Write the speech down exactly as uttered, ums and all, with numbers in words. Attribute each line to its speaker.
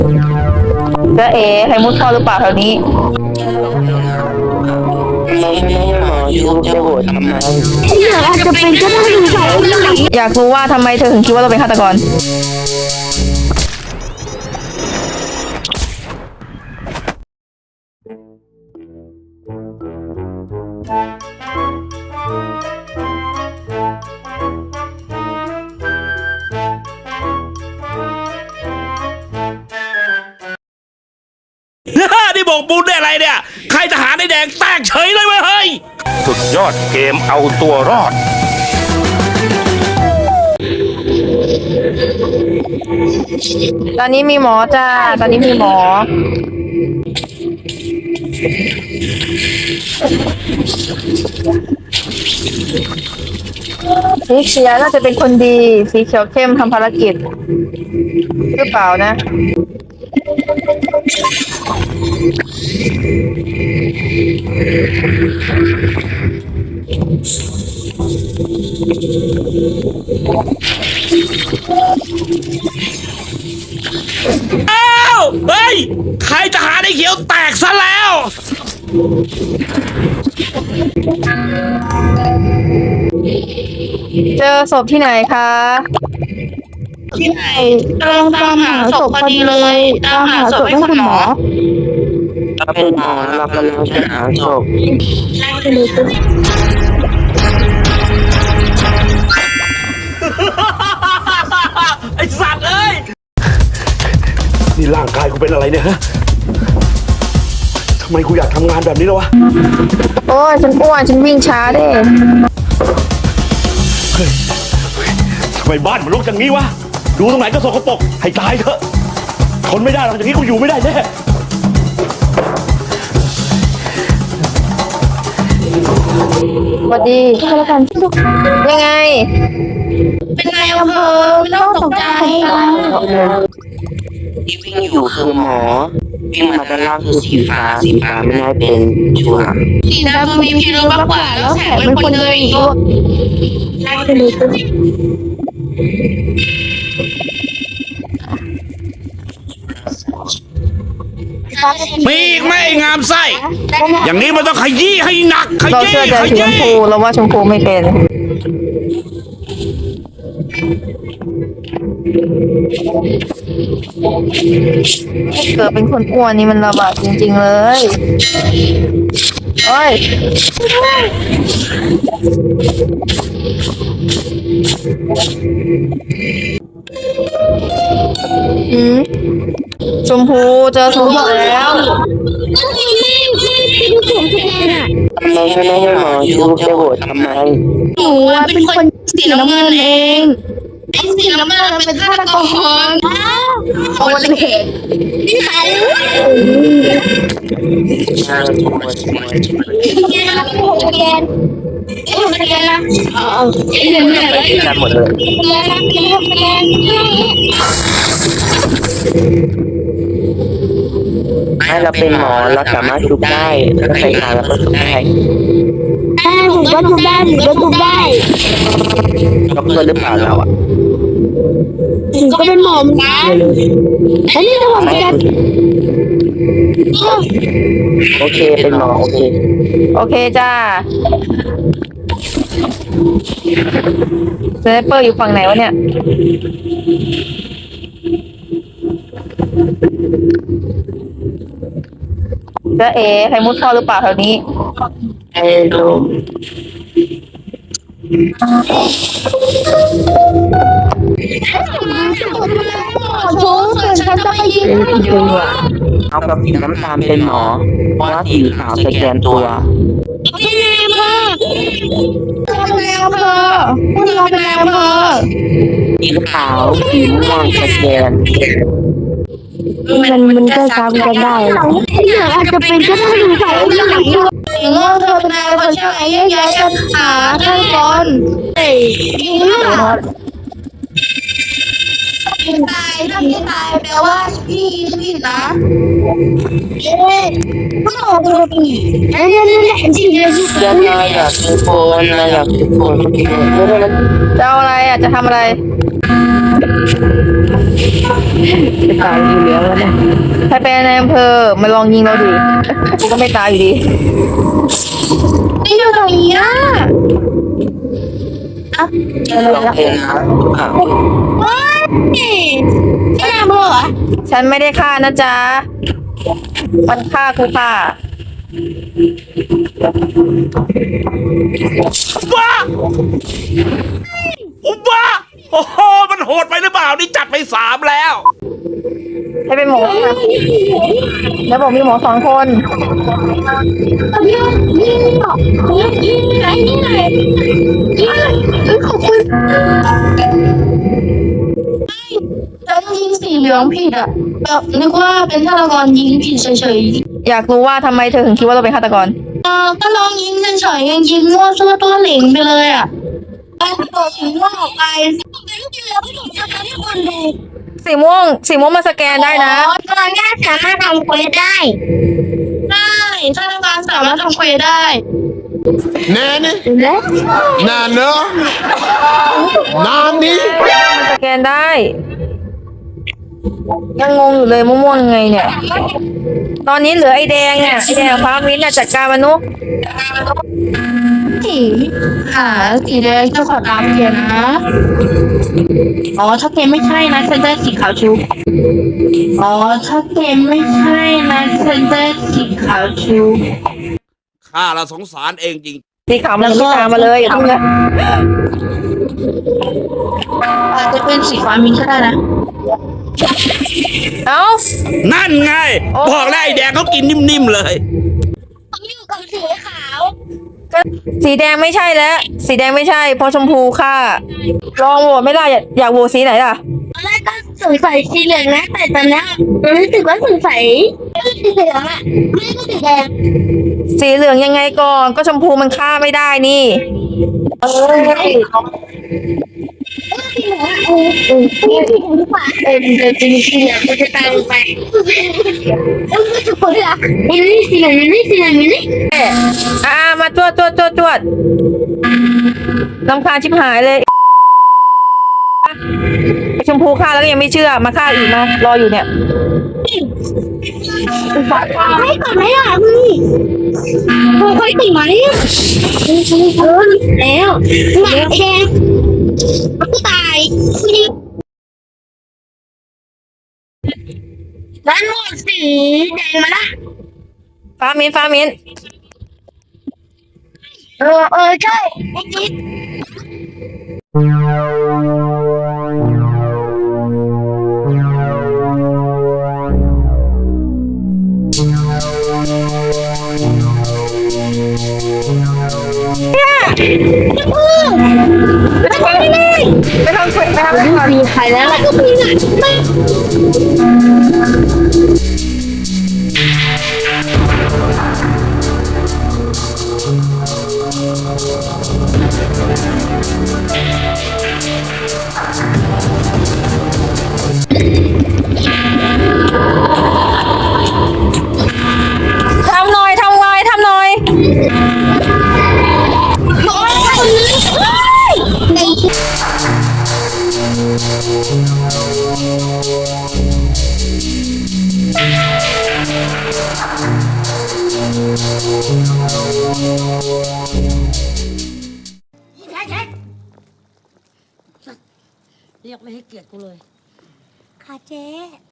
Speaker 1: จะเอ๋ใครมุดท่อหรือเปล่าแถวนี้
Speaker 2: ไม่ไม่หมอยูจะโหวตทำไม
Speaker 3: อยากอาจจะเป็นก็ได้ดูใส่หนัง
Speaker 1: อยากรู้ว่าทำไมเธอถึงคิดว่าเราเป็นฆาตกร
Speaker 4: นี่บอกปูนได้อะไรเนี่ยใครทหารในแดงแตกเฉยเลยเว้ยเฮ้ยสุดยอดเกมเอาตัวรอด
Speaker 1: ตอนนี้มีหมอจ้าตอนนี้มีหมอสีเขียวน่าจะเป็นคนดีสีเขียวเข้มทำภารกิจหรือเปล่านะ
Speaker 4: อ้าวเฮ้ยใครทหารในเขียวแตกซะแล้ว
Speaker 1: เจอศพที่ไหนคะ
Speaker 3: ที่ไหนกำลังตามหาศพพอดีเลยตามหาศพให้คุณหมอ
Speaker 2: เราเป็นหมอเรากำลังจะหาศพ
Speaker 4: ไอ้สัตว์เอ้ย
Speaker 5: นี่ร่างกายกูเป็นอะไรเนี่ยฮะ ทำไมกูอยากทำงานแบบนี้แล้ววะ
Speaker 1: โอ้ยฉันอ้วนฉันวิ่งช้าเด้
Speaker 5: เฮ้ยทำไมบ้านมันรกอย่างนี้วะ ดูตรงไหนก็สกปรกให้ตายเถอะ ทนไม่ได้หรอกอย่างนี้กูอยู่ไม่ได้แน่
Speaker 1: สวัสดีแล้วกันยังไง
Speaker 3: เป็นนายอำเภอไม่ต้องตกใจ
Speaker 2: ที่วิ่งอยู่คือหมอวิ่งมาด้านล่างคือสีฟ้าสีฟ้าไม่ได้เป็นชัวร์
Speaker 3: สีดำมีพิรุธมากกว่าแล้วแถมเป็นคนเดินอีก
Speaker 4: มีอีกไหมไอ้งามไส้อย่างนี้มันต้องขยี้ให้หนักข
Speaker 1: เรา
Speaker 4: ยี้
Speaker 1: เชื่อใจ
Speaker 4: ข
Speaker 1: สีช
Speaker 4: ยี้
Speaker 1: มพูเราว่าชมพูไม่เป็นเกิดเป็นคนอ้วนนี่มันระบาดจริงๆเลยโอ้ยอืมชมพูเจอชมพูแล้ว
Speaker 2: ทำไมไม่หมอยูจะโหวตทำไม
Speaker 3: หนูเป็นคนสีน้ำเงินเองไอ้สีน้ำเงินเป็นฆาตกรโอ้ยเห็นนี่ใคร
Speaker 2: ใช่ถูกหมด
Speaker 3: แกนแกนเอ้ยแกนนะอ๋อไอ้เนี่ยเนี่ย
Speaker 2: ไปที่กันหมดเลย
Speaker 3: แกนแกนแกน
Speaker 2: ให้เราเป็นหมอเราสามารถทุบได้แล้วใส่ยาแล้วก็ทุบได้
Speaker 3: ได้ผมก็ทุบได้ผมก็ทุบได้
Speaker 2: ด็อกเตอร์หรือเปล่าเราอ่ะ
Speaker 3: ผมก็เป็นหมอเหมือนกันอันนี้เราเหมือนกัน
Speaker 2: โอเคเป็นหมอโอเค
Speaker 1: โอเคจ้าสไนเปอร์อยู่ฝั่งไหนวะเนี่ยจะเอ๋ใครมุดท่อหรือเปล่าแถวนี้
Speaker 2: ไอ้ลม
Speaker 3: โอ้ส่วนฉันจะไปยิง
Speaker 2: เป็นจริงว่ะเอากับสีน้ำตาลเป็นหมอเพราะว่าสีขาวสแกนตัว
Speaker 3: พี่นายอำเภอคุณนายอำเภอคุณเราเป็นนายอำเภอ
Speaker 2: สีขาวสีม่วงสแกน
Speaker 3: มันมันก็ซ้ำกันได้อยากอาจจะเป็นก็ได้ดูใส่หนังถึงว่าเธอเป็นนายอำเภอใช่ไหมแยกย้ายกันหาท่านก่อนเฮ้ยยิงเลือดตายถ้าพี่ตายแปลว่าพี่พี่นะเอ๊ะก็ออกตัวปีนั่นนั่นนั่นจริงเลย
Speaker 2: เรื่องเราอยากทุกคนเราอยากทุกคนโอเคไม่ได้มัน
Speaker 1: จะเอาอะไรอ่ะจะทำอะไร
Speaker 3: จะตายอยู่แล้วนะ
Speaker 1: ถ้าเป็นในอำเภอมาลองยิงเราดิกูก็ไม่ตายอยู่ดี
Speaker 3: นี่อยู่ตรงนี้อ่ะ
Speaker 2: ลองเป็นนะอ้าว
Speaker 3: ว้ายแม่บอกเหรอ
Speaker 1: ฉันไม่ได้ฆ่านะจ๊ะมันฆ่ากูค่ะ
Speaker 4: บ้าอุบ้าโอ้โหมันโหดไปหรือเปล่านี่จัดไปสามแล้ว
Speaker 1: ให้เป็นหมอค่ะแล้วบอกมีหมอสองคน
Speaker 3: ยิงยิงเหรอยิงไหนยิงไหนยิงเอ้ยขอบคุณฉันยิงสีเหลืองผิดอ่ะแบบนึกว่าเป็นฆาตกรยิงผิดเฉยๆ
Speaker 1: อยากรู้ว่าทำไมเธอถึงคิดว่าเราเป็นฆาตกร
Speaker 3: เออก็ลองยิงเฉยๆยังยิงมั่วซั่วตัวเหล่งไปเลยอ่ะไปเปิดถึงว่าออกไปไม่จริงแล้วไม่ถูกจะทำให้คนดู
Speaker 1: สีม่วงสีม่วงมาสแกนได้นะ
Speaker 3: ตอนนี้สามารถทำเควสได้ได้ธนาคารสามารถทำเควสได้
Speaker 6: Nani?
Speaker 3: และ
Speaker 6: Nana? Nani?
Speaker 1: สแกนได้ ยังงงอยู่เลยม่วงๆยังไงเนี่ย ตอนนี้เหลือไอ้แดงอ่ะไอ้แดงพาวินน่ะจัดการมันนุก
Speaker 3: สีหาสีแดงจะขอตามเกียร์นะอ๋อถ้าเกมไม่ใช่นะฉันได้สีขาวชุบอ๋อถ้าเกมไม่ใช่นะฉันได้สีขาวชุบ
Speaker 4: ข้าละสงสารเองจริง
Speaker 1: สีขาวมันยังไม่ตามมาเลยอย่าเพิ่งนะ
Speaker 3: อาจจะเป็นสีฟ้ามินก็ได้นะ
Speaker 1: เอ้า
Speaker 4: นั่นไง
Speaker 1: โอ้
Speaker 4: บอกแล้วไอ้แดงเขากินนิ่มๆเลย
Speaker 3: ผมอยู่กับสีขาว
Speaker 1: ก็สีแดงไม่ใช่แล้ว สีแดงไม่ใช่เพราะชมพูค่ะ ลองโหวตไม่ได้อยากอยากโหวตสีไหนล่ะ
Speaker 3: ตอนแรกก็สงสัยสีเหลืองนะแต่ตอนนี้มันรู้สึกว่าสงสัยสีเหลืองอะไม่ก็สีแดง
Speaker 1: สีเหลืองยังไงก่อนก็ชมพูมันฆ่าไม่ได้นี่เออ
Speaker 3: สีเหลืองอะเออเออสีเหลืองดีกว่าเออเดี๋ยวจะมีสีเหลืองมันจะตามไปเออทุกคนอะมันนี่สีเหลืองมันนี่สีเหลืองมันนี่
Speaker 1: อ่ามาจวดจวดจวดจวดลำคาญชิบหายเลยไอ้ชมพูฆ่าแล้วก็ยังไม่เชื่อมาฆ่าอีกมารออยู่เนี่ย
Speaker 3: ไม่ก่อนไหมอ่ะพี่ค่อยๆตีไหมเออแล้วหนักแดงมันก็ตายนี่ด้านหมดสีแดงมาละ
Speaker 1: ฟ้ามินฟ้ามิน
Speaker 3: เออเออใช่ไอ้จิ๊ด
Speaker 1: ไปทำไปไปทำเควสไปทำไปก่อน
Speaker 3: มีใครแล้วล่ะก็มีอ่ะไม่
Speaker 1: ทำหน่อยทำไวทำหน่อย
Speaker 3: โอ้ยคนนี้ไอ้จิ๊ด
Speaker 7: เรียกไม่ให้เกียรติกูเลย
Speaker 3: ค่ะเจ๊